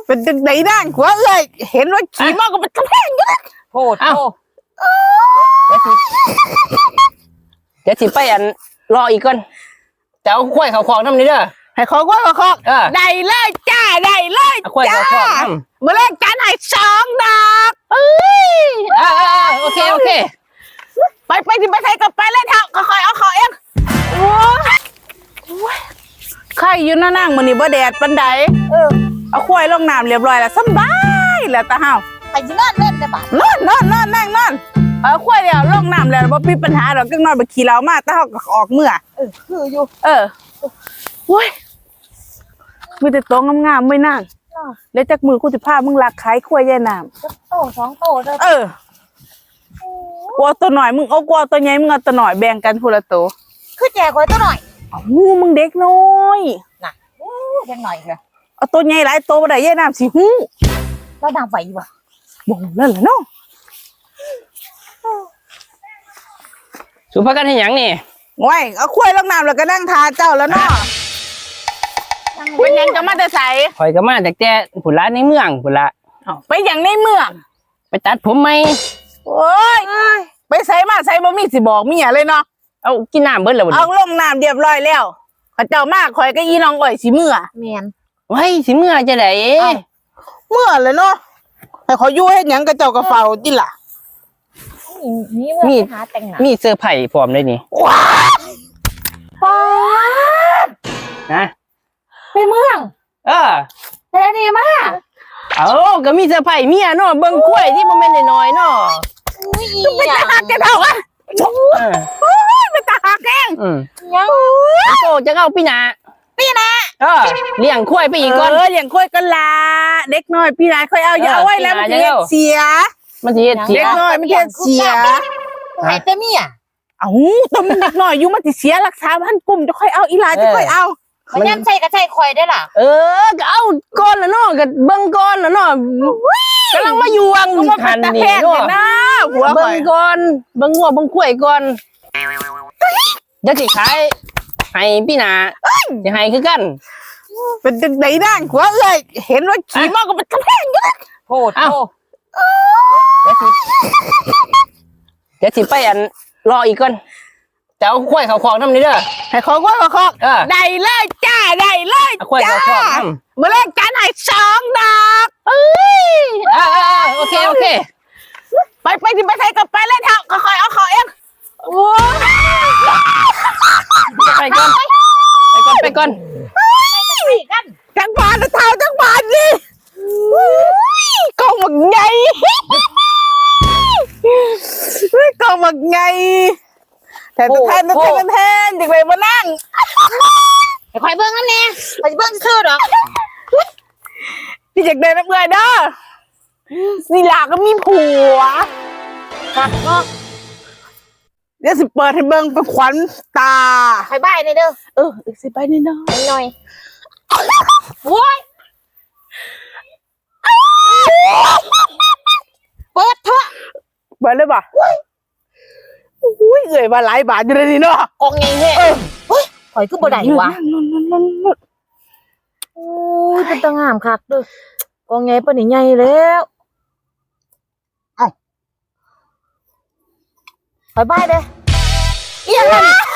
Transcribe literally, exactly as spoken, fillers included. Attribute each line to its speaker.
Speaker 1: เป็นจังไดนั่งหัวเลยเห็นว่าขี่มอก็เป็นกระแพงอยู่นะ
Speaker 2: โทษโทษเดี๋ยวสิไปอันรออีกก่อนจะเอาควายเขาคลองน้ำนี่เด้อ
Speaker 1: ให้ขอก้อยขอคอกได้เลยจ้าได้เลยจ้าเมื่อแรกการให้สองดอกเอ้ย
Speaker 2: อ่าโอเคโอเค
Speaker 1: ไปไปที่ไปใส่กับไปเลยเถอะค่อยๆเอาเขาเองโอ้ยใครอยู่นั่งนั่งมันนี่บ่แดดปันไดเออเอาควายลงน้ำเรียบร้อยแล้วสบายแล้วตาเฮา
Speaker 3: ไปที่นั่นเล่นได้ปะ
Speaker 1: นอนนอนนอนนั่งนอนเอาควายเดียวลงน้ำแล้วบ่มีปัญหาดอกก็นอนไปขี่เรามาตาเฮาก็ออกเมื่อ
Speaker 3: เออคืออยู่
Speaker 1: เออโว้ยมีแต่โตงามๆไม่นั่งแล้วจากมือกูจะพามึงลักขายควายแย่น้
Speaker 3: ำโตสองโตเลย
Speaker 1: เออกลัวตัวหน่อยมึงเอากลัวตัวใหญ่มึงเอาตัวหน่อยแบ่งกันคนละตัว
Speaker 3: คือแจกไว้ตัวหน่อย
Speaker 1: หูมึงเด็กน้อย
Speaker 3: น่ะเด็กหน่อยเหรอ
Speaker 1: เอาตัวใหญ่หลายตัวมาได้แย่น้ำสิหู
Speaker 3: แล้วนางไหววะ
Speaker 1: บ่งนั่นแหละเนาะ
Speaker 2: สุภาพกันให้ยังนี่
Speaker 1: ว้ยเอาควายลงน้ำแล้วก็นั่งทาเจ้าแล้วเนาะเป็นยังจะมาแต่ใส
Speaker 2: คอยก็มาจากแต่ผุนละในเมืองผุนละ
Speaker 1: ไปอย่างในเมือง
Speaker 2: ไปตัดผมไหม
Speaker 1: โอ้ยไปใส่มาใส่บ่มีสิบอกเมียเลยเนาะ
Speaker 2: เอากินน้ำเบิ้ลแล้ว
Speaker 1: เอาลงน้ำเรียบร้อยแล้วข้าเจ้ามากคอยก็ยีน้องอ่อยสิเมื่อ
Speaker 3: เมียน
Speaker 2: ไว้สิเมื่อจะไหน
Speaker 1: เมื่อเลยเนาะให้เขาอยู่ให้ยังกระเจ้ากระเฝ้าจิล่ะ
Speaker 3: มีมีหาแต่งหน้า
Speaker 2: มีเสื้อไผ่พร้อมเลยนี่
Speaker 1: ว้า
Speaker 3: ป้า
Speaker 2: นะ
Speaker 3: ไปเมือง
Speaker 2: เออ
Speaker 3: แต่ดีมาก
Speaker 2: เอาก็มีเสื้อไผ่เมียเนาะเบิ้งกล้วยที่มันเป็นน้อยเนาะ
Speaker 1: ไม่ตาหักแกเท่าอ่ะโอ้ยไม่ตาหักแกง
Speaker 3: ยัง
Speaker 2: โตจะเอาพี่นา
Speaker 1: พี่นา
Speaker 2: เออเลี้ยงกล้วยไปอีกก่อน
Speaker 1: เออเลี้ยงกล้วยกันละเด็กน้อยพี่นาค่อยเอาอย่าเอาไว้แล้วมันจะเสีย
Speaker 2: มันจะเสีย
Speaker 1: เด็กน้อยมันจะเสีย
Speaker 3: ไอ้เต้เมีย
Speaker 1: เอ้าตัวมันเด็กน้อยอยู่มันจะเสียรักษาพันกลุ่มจะค่อยเอาอีหลาจะค่อยเอา
Speaker 3: มันยังใช่ก็ใช่คอยได้ล่ะ
Speaker 2: เออก็เอาก้อนละเนาะก็เบิ้งก้อนละเนาะกำลังมาอยู่วังหันนี่เนาะหัวเบิ้งก้อนเบิ้งหัวเบิ้งกล้วยก่อนจะสิขายให้พี่นาจะให้คือกัน
Speaker 1: เป็นจังไดนั่งหัวเลยเห็นว่าขี่มอก็เป็นกระแพงอยู่นะ
Speaker 3: โทษโทษ
Speaker 2: เดี๋ยวสิเดี๋ยวสิไปอันรออีกก่อนจะเอาควายเขาคลองน้ำนี่เด้อ
Speaker 1: ให้ขอก้อยขอคอกได้เลยจ้าได้เลยจ้าเมื่อแรกการให้สองดอกเอ้ย
Speaker 2: อ่าโอเคโอเค
Speaker 1: ไปไปที่ไปใส่กับไปเลยเถอะค่อยๆเอาเขาเองโอ้
Speaker 2: ไปก่อนไปก่อนไปก่อน
Speaker 3: ไปกัน
Speaker 1: จังบานเท้าจังบานนี่กองหมักไงกองหมักไงแต่ตัวแทนตัวแทนตัวแทนเด็กเลยมานั่ง
Speaker 3: ไอ้ควายเบิ้งนั่นแน่ไปเบิ้งซื่อหรอ
Speaker 1: พี่เด็กเดินน้ำเงยเด้อนี่หลาก็มีผัว
Speaker 3: ครับก็
Speaker 1: เดี๋ยวสิเปิดให้เบิ้งเป็นขวัญตา
Speaker 3: ไปบ้านเลยเด้อ
Speaker 1: เออสิไปนี่เนาะ
Speaker 3: หน่อยโว้ยเปิดเถอะ
Speaker 1: เปิดเลยป่ะอุ้ยเอ่ยมาหลายบาทอยู่เลยนี่เนาะ
Speaker 3: กองไงเฮ้ยเฮ้ยถอยขึ้นบ่ได้วะโอ้ยเป็นตางามคักด้วยกองไงปะนี่ใหญ่แล้วเอ้าถอยบ้านเลยอีหยัง